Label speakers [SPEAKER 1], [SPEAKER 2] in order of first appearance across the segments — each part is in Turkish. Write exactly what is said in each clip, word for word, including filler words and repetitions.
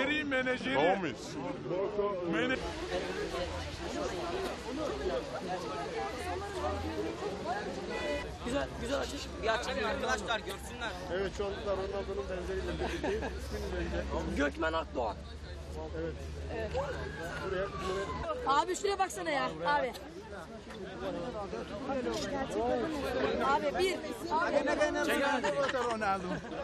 [SPEAKER 1] menajeri, menajeri.
[SPEAKER 2] Tamam mıyız?
[SPEAKER 1] Mene
[SPEAKER 3] Güzel, güzel açış. Bir açalım arkadaşlar görsünler.
[SPEAKER 4] Evet, şu anda Ronaldo'nun benzeriyle birlikteyiz. İsminiz neydi?
[SPEAKER 3] Gökmen Akdoğan.
[SPEAKER 4] Evet.
[SPEAKER 3] Evet.
[SPEAKER 4] Buraya, buraya.
[SPEAKER 5] Abi şuraya baksana ya abi. Abi bir.
[SPEAKER 1] Ronaldo.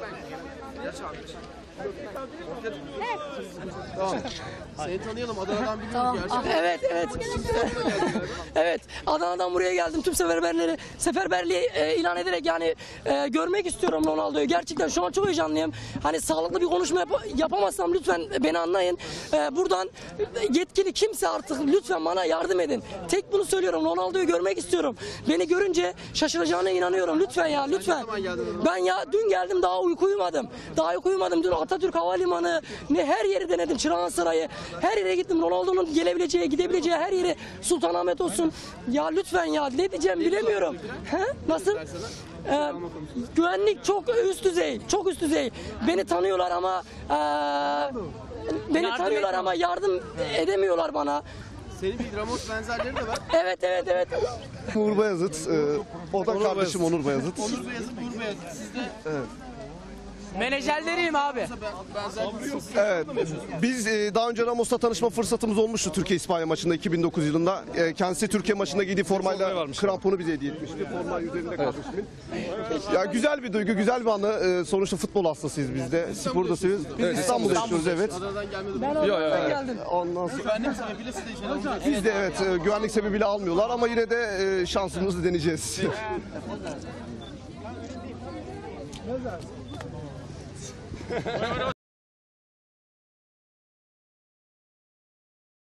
[SPEAKER 4] Tamam. Seni tanıyalım. Adana'dan biliyoruz
[SPEAKER 5] Tamam.
[SPEAKER 4] gerçekten.
[SPEAKER 3] Evet, evet. Evet, Adana'dan buraya geldim. Tüm seferberleri, seferberliği e, ilan ederek yani e, görmek istiyorum Ronaldo'yu. Gerçekten şu an çok heyecanlıyım. Hani sağlıklı bir konuşma yap yapamazsam lütfen beni anlayın. E, buradan yetkili kimse artık lütfen bana yardım edin. Tek bunu söylüyorum. Ronaldo'yu görmek istiyorum. Beni görünce şaşıracağına inanıyorum. Lütfen ya, lütfen. Ben ya dün geldim, daha uyku uyumadım. Daha uyku uyumadım. Dün Atatürk Havalimanı, ne her yeri denedim. Çırağan Sarayı. Her yere gittim. Ronaldo'nun gelebileceği, gidebileceği her yere. Sultanahmet olsun. Ya lütfen ya, ne diyeceğim bilemiyorum. He? Nasıl? Ee, güvenlik çok üst düzey. Çok üst düzey. Beni tanıyorlar ama ee, beni Yardım tanıyorlar etmiyor. ama yardım edemiyorlar bana.
[SPEAKER 4] Senin bir Ramos benzerleri de var.
[SPEAKER 3] Evet, evet, evet.
[SPEAKER 6] Uğur Bayazıt, e, o da kardeşim Onur Bayazıt.
[SPEAKER 4] Onur Beyazıt, Uğur Beyazıt. Siz de
[SPEAKER 3] Menajerleriyim abi.
[SPEAKER 4] benzerlik yok.
[SPEAKER 6] Evet, biz e, daha önce Ramos'la tanışma fırsatımız olmuştu Türkiye-İspanya maçında iki bin dokuz yılında. E, kendisi Türkiye maçında giydiği formayla kramponu bize hediye etmişti. Forma üzerinde kardeşimin. Ya güzel bir duygu, güzel bir anı. E, sonuçta futbol hastasıyız biz de. Spor da seviyoruz. Biz İstanbul'da yaşıyoruz, evet.
[SPEAKER 4] Adana'dan gelmedi.
[SPEAKER 3] Ben Adana'dan geldim.
[SPEAKER 6] Ondan sonra
[SPEAKER 4] Güvenlik sebebiyle siz de içeri alınacak.
[SPEAKER 6] biz de evet e, güvenlik sebebiyle almıyorlar ama yine de e, şansımızı deneyeceğiz.